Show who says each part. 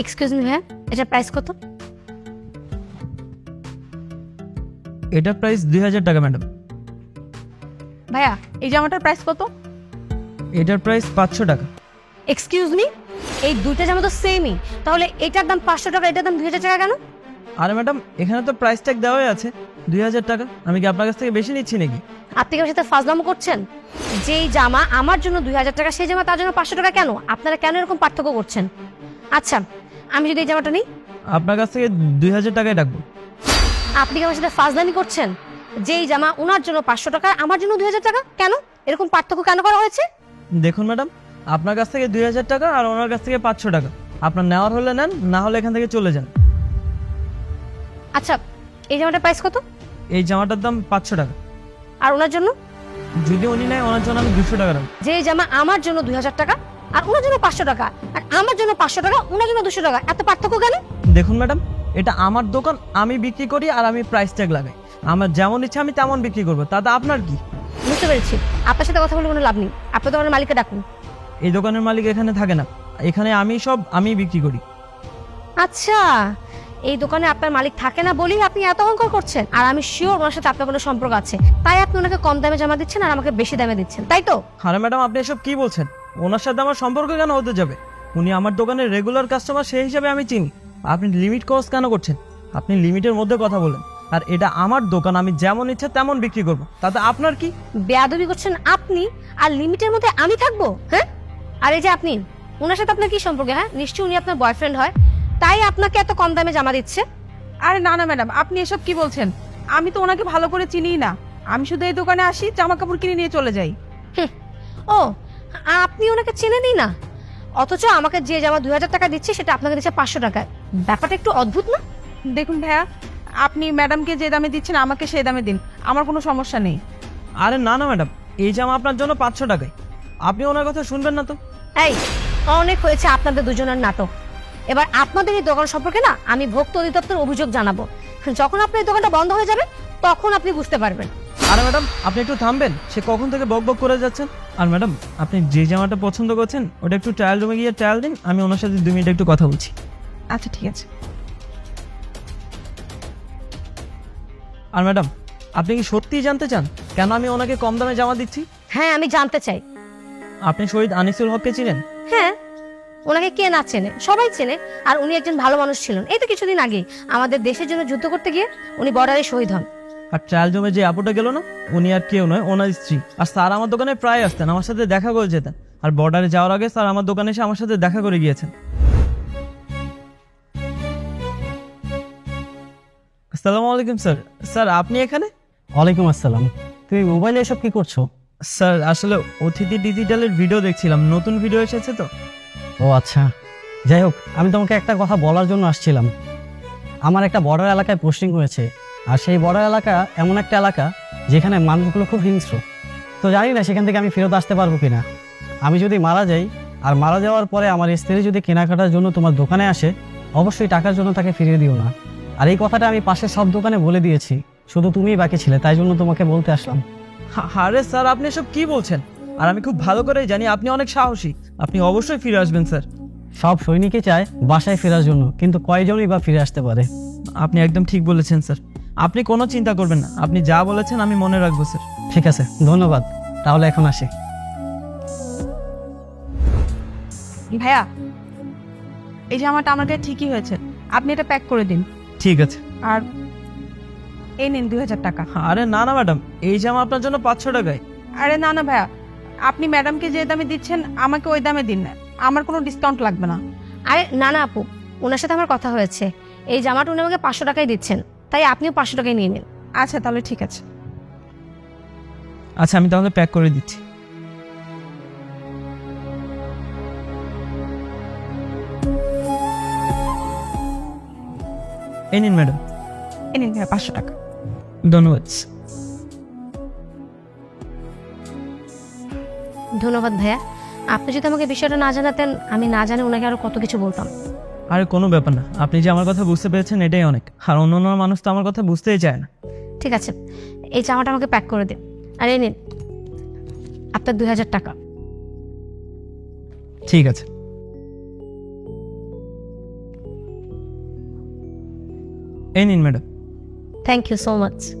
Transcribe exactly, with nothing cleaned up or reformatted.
Speaker 1: Excuse me ভাইয়া, এটার price কত?
Speaker 2: এটার প্রাইস দুই হাজার টাকা ম্যাডাম।
Speaker 3: ভাইয়া এই জামাটার প্রাইস কত?
Speaker 2: এটার প্রাইস পাঁচশো টাকা।
Speaker 1: এক্সকিউজ মি, এই দুইটা জামা তো সেমই, তাহলে এটার দাম পাঁচশো টাকা, এটার দাম দুই হাজার টাকা কেন?
Speaker 2: আরে ম্যাডাম, এখানে তো প্রাইস ট্যাগ দেওয়াই আছে দুই হাজার টাকা। আমি কি আপনার কাছ থেকে বেশি নিচ্ছি নাকি?
Speaker 1: আপনি কি আমার সাথে ফাজলামো করছেন? যেই জামা আমার জন্য দুই হাজার টাকা, সেই জামা তার জন্য পাঁচশো টাকা কেন? আপনারা কেন এরকম পার্থক্য করছেন? আচ্ছা, আমি যদি এই জামাটা নিই,
Speaker 2: আপনার কাছ থেকে দুই হাজার টাকায় রাখবো।
Speaker 1: আপনি কি আমার সাথে ফাজলামি করছেন? যেই জামা ওনার জন্য পাঁচশো টাকা, আমার জন্য দুই হাজার টাকা কেন? এরকম পার্থক্য কেন করা হয়েছে?
Speaker 2: দেখুন ম্যাডাম, আপনার কাছ থেকে দুই হাজার টাকা আর ওনার কাছ থেকে পাঁচশো টাকা। আপনার নেওয়ার হলে নেন, না হলে এখান থেকে চলে যান।
Speaker 1: আচ্ছা, এই জামাটার প্রাইস কত?
Speaker 2: এই জামাটার দাম পাঁচশো টাকা।
Speaker 1: আর ওনার জন্য?
Speaker 2: যদি উনি নেয়, ওনার জন্য আমি দুশো টাকা রাখবো।
Speaker 1: যে জামা আমার জন্য দুই হাজার টাকা আর ওনার জন্য পাঁচশো টাকা, আর আমার জন্য পাঁচশো টাকা, ওনার জন্য দুশো টাকা, এত পার্থক্য কেন?
Speaker 2: দেখুন ম্যাডাম, এটা আমার দোকান, আমি বিক্রি করি আর আমি প্রাইস ট্যাগ লাগাই। আমার যেমন ইচ্ছা আমি তেমন বিক্রি করবো, তাতে আপনার কি?
Speaker 1: বুঝতে পেরেছি, আপনার সাথে কথা বলে কোনো লাভ নেই। আপনি তো আমার মালিককে ডাকুন।
Speaker 2: এই দোকানের মালিক এখানে থাকে না, এখানে আমি সব আমি বিক্রি করি।
Speaker 1: আচ্ছা, এই দোকানে আপনার মালিক থাকে না বলেই আপনি এত অহংকার করছেন। আর আমি শিওর ওনার সাথে আপনার কোনো সম্পর্ক আছে, তাই আপনি ওনাকে কম দামে জামা দিচ্ছেন আর আমাকে বেশি দামে দিচ্ছেন, তাই তো?
Speaker 2: আরে ম্যাডাম, আপনি এসব কি বলছেন? ওনার সাথে আমার সম্পর্ক কেন হতে যাবে? উনি আমার দোকানের রেগুলার কাস্টমার, সেই হিসাবে আমি চিনি। আপনি লিমিট ক্রস কেন করছেন? আপনি লিমিটের মধ্যে কথা বলেন। আর এটা আমার দোকান, আমি যেমন ইচ্ছা তেমন বিক্রি করবো, তাতে আপনার কি?
Speaker 1: বেয়াদবি করছেন আপনি, আর লিমিটের মধ্যে আমি থাকবো? হ্যাঁ, আর এই যে আপনি, ওনার সাথে আপনার কি সম্পর্ক? হ্যাঁ, নিশ্চয়ই উনি আপনার বয়ফ্রেন্ড হয়, তাই আপনাকে এত কম দামে জামা দিচ্ছে।
Speaker 3: আরে না না ম্যাডাম, আপনি এসব কি বলছেন? আমি তো ওনাকে ভালো করে চিনিই না। আমি শুধু এই দোকানে আসি, জামা কাপড় কিনে নিয়ে চলে যাই।
Speaker 1: হুম, ও, আপনি ওনাকে চেনেনই না, অথচ আমাকে যে জামা দুই হাজার টাকা দিচ্ছে সেটা আপনাকে দিচ্ছে পাঁচশো টাকায়। ব্যাপারটা একটু অদ্ভুত না?
Speaker 3: দেখুন ভাইয়া, আপনি ম্যাডামকে যে দামে দিচ্ছেন আমাকে সেই দামে দিন, আমার কোনো সমস্যা নেই।
Speaker 2: আরে না না ম্যাডাম, এই জামা আপনার জন্য পাঁচশো টাকায়। আপনি ওনার কথা শুনবেন না তো?
Speaker 1: এই, অনেক হয়েছে আপনাদের দুজনের নাটক। এবার আপনাদের এই দোকান সম্পর্কে না আমি ভোক্তা অধিদপ্তর অভিযোগ জানাবো। যখন আপনার এই দোকানটা বন্ধ হয়ে যাবে তখন আপনি বুঝতে পারবেন।
Speaker 2: আরে ম্যাডাম, আপনি একটু থামবেন। সে কখন থেকে বক বক করে যাচ্ছেন। আর ম্যাডাম, আপনি যে জামাটা পছন্দ করছেন ওটা একটু ট্রায়াল রুমে গিয়ে ট্রায়াল দিন, আমি ওনার সাথে দুই মিনিট একটু কথা বলছি।
Speaker 3: আচ্ছা ঠিক আছে।
Speaker 2: আর ম্যাডাম, আপনি কি সত্যিই জানতে চান কেন আমি ওনাকে কম দামে জামা দিচ্ছি?
Speaker 1: হ্যাঁ, আমি জানতে চাই।
Speaker 2: আপনি শহীদ আনিসুল হককে চিনেন?
Speaker 1: হ্যাঁ, ওনাকে কে না চেনে, সবাই চেনে। আর উনি একজন ভালো মানুষ ছিলেন। এই তো কিছুদিন আগে আমাদের দেশের জন্য যুদ্ধ করতে গিয়ে উনি বর্ডারে শহীদ হন।
Speaker 2: আর ট্রায়াল রুমে যে আপুটা গেল না, উনি আর কেউ নয়, ওনার স্ত্রী। আর স্যার আমার দোকানে প্রায় আসতেন, আমার সাথে দেখা করে যেতেন। আর বর্ডারে যাওয়ার আগে স্যার আমার দোকানে এসে আমার সাথে দেখা করে গিয়েছেন। আসসালামু আলাইকুম স্যার। স্যার, আপনি এখানে?
Speaker 4: ওয়ালাইকুম আসসালাম। তুমি মোবাইলে এসব কি করছো?
Speaker 2: স্যার, আসলে অতিথি ডিজিটালের ভিডিও দেখছিলাম, নতুন ভিডিও এসেছে তো।
Speaker 4: ও আচ্ছা, যাই হোক, আমি তোমাকে একটা কথা বলার জন্য আসছিলাম। আমার একটা বর্ডার এলাকায় পোস্টিং হয়েছে, আর সেই বর্ডার এলাকা এমন একটা এলাকা যেখানে মানুষগুলো খুব হিংস্র। তো জানি না সেখান থেকে আমি ফেরত আসতে পারবো কিনা। আমি যদি মারা যাই, আর মারা যাওয়ার পরে আমার স্ত্রী যদি কেনাকাটার জন্য তোমার দোকানে আসে, অবশ্যই টাকার জন্য তাকে ফিরিয়ে দিও না। আর এই কথাটা আমি পাশের সব দোকানে বলে দিয়েছি, শুধু তুমিই বাকি ছিলে, তাই জন্য তোমাকে বলতে আসলাম।
Speaker 2: হা- আরে স্যার, আপনি এসব কি বলছেন? আর আমি খুব ভালো করেই জানি আপনি অনেক সাহসী, আপনি অবশ্যই ফিরে আসবেন স্যার।
Speaker 4: সব সৈনিকই চায় বাসায় ফেরার জন্য, কিন্তু কয়জনই বা ফিরে আসতে পারে?
Speaker 2: আপনি একদম ঠিক বলেছেন স্যার। আপনি কোনো চিন্তা করবেন না, আপনি যা বলেছেন আমি মনে রাখবো স্যার।
Speaker 4: ঠিক আছে, ধন্যবাদ। তাহলে এখন আসি।
Speaker 3: ভাইয়া, এই জামাটা আমার কাছে ঠিকই হয়েছে, আপনি এটা প্যাক করে দিন।
Speaker 2: ঠিক আছে।
Speaker 3: আর এই নিন দুই হাজার টাকা।
Speaker 2: আরে না না ম্যাডাম, এই জামা আপনার জন্য পাঁচশো টাকায়।
Speaker 3: আরে না না ভাইয়া, আপনি ম্যাডামকে যে দামে দিচ্ছেন আমাকে ওই দামে দিন না, আমার কোনো ডিসকাউন্ট লাগবে না।
Speaker 1: আরে না না আপু, ওনার সাথে আমার কথা হয়েছে, এই জামাটা উনি আমাকে পাঁচশো টাকায় দিচ্ছেন, তাই আপনিও পাঁচশো টাকায় নিয়ে নিন।
Speaker 3: আচ্ছা তাহলে ঠিক আছে।
Speaker 2: আচ্ছা, আমি তাহলে প্যাক করে দিচ্ছি। এই নিন ম্যাডাম।
Speaker 3: এই নিন ভাইয়া পাঁচশো টাকা।
Speaker 2: ধন্যবাদ।
Speaker 1: ধন্যবাদ ভাইয়া, আপনি যদি আমাকে বিষয়টা না জানাতেন, আমি না জানি ওনাকে আরো কত কিছু বলতাম।
Speaker 2: আরে কোনো ব্যাপার না, আপনি যে আমার কথা বুঝতে পেরেছেন এটাই অনেক। আর অন্য অন্য মানুষ তো আমার কথা বুঝতেই চায় না।
Speaker 1: ঠিক আছে, এই জামাটা আমাকে প্যাক করে দিন। আর এই নিন আপনার দুই হাজার টাকা।
Speaker 2: ঠিক আছে। এই নিন madam.
Speaker 1: Thank you so much